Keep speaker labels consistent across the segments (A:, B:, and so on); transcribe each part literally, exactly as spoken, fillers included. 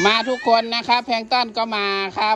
A: มาทุกคนนะครับแพลงก์ต้นก็มาครับ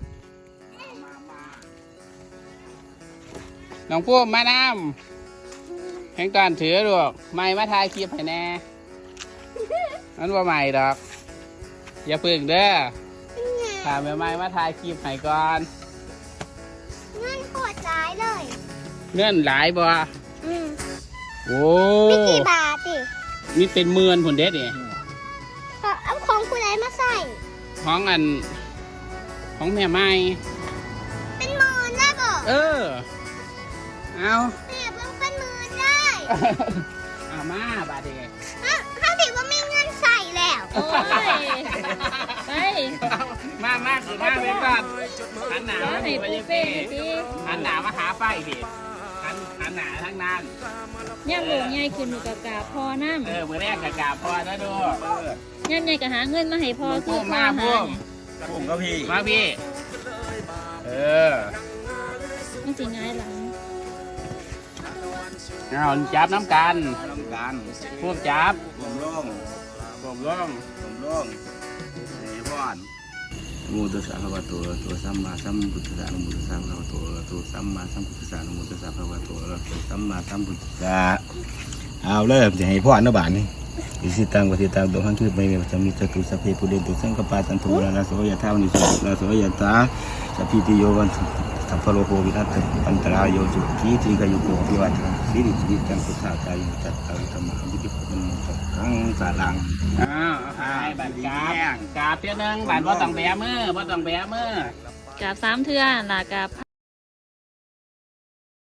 A: น้องพุ่มมาน้ำแพลงก์ต้นถือลูกไม่มาถ่ายคลิปให้แน่นั่นว่าใหม่ดอกอย่าพึ่งเด้อถามแม่ไม่มาถ่ายคลิปให้ก่อน
B: เงินโคตรร้ายเลย
A: เงื่อนหลายบ่
B: อืม
A: โอ้
B: ไม่กี่บาทดิ
A: มีเป็นหมื่นผลเด็ดนี่
B: เอาของคุณไหนมาใส่
A: ของอันของแม่ไม้
B: เป็นหมื่นได้บ่
A: เออเอา
B: แม่เพิ่งเป็นหมื่นได้
A: เอามาบาดเด็ก
B: ถ้าถือว่ามีเงินใส่แล้ว
C: โอ้ยไป
A: มามาสิมาไปก่อนหันหนามา
C: ให้
A: ไป
C: ปู
A: ยัง
C: เป้
A: เป้
C: ดิ
A: หันหนามาหาไฟดิหันหันหนาทั้งนั้น
C: ย่ำโหลงใหญ่ขึ้นอยู่กับกาพอน้ำ
A: เออมือแรกกะกาพอนะดู
C: ย่ำใหญ่ก็หาเงินมาให้พอคือ
A: พุ่ม
C: พอ
A: มา
C: หา
A: พุ่ม
D: ผมก็พี่
A: มาพี่เออ
C: ไม่สิง่ายหลัง
A: เอาจับน้ำกัน
D: ทำการ
A: พุ่มจับ
D: ผมล่อง
A: ผมร่อง
D: ผมล่องไอ้พ่อนมูตุสาภวะตัวตัวสัมมาสัมพุทธัสสะนโมตัสสะภะคะวะโตตัวสัมมาสัมพุทธัสสะนโมตัสสะภะคะวะโตตัวสัมมาสัมพุทธัสสะเอาเริ่มจะให้พ่ออนุบาลนี่อิสิตังปฏิตังตัวขันคือไม่มีจะมีจตุสัพเพปุเรนตุสังกปาสันตุราโสยะธานิสุราโสยะตาสัพพิติโยวันสัพพโลโภวินัสปันตรายโยจุกีติกายุโกภิวัตสิริสิริจังพุทธาใจจัตตาธรรมะวิจิตรมันทั้งสารัง
A: อ้าวเอาให้บัตรกราบกราบเท่านึงบัตรว่าต้องแบมือว่าต้องแบมือ
C: กาบสามเทื่อหลากาบ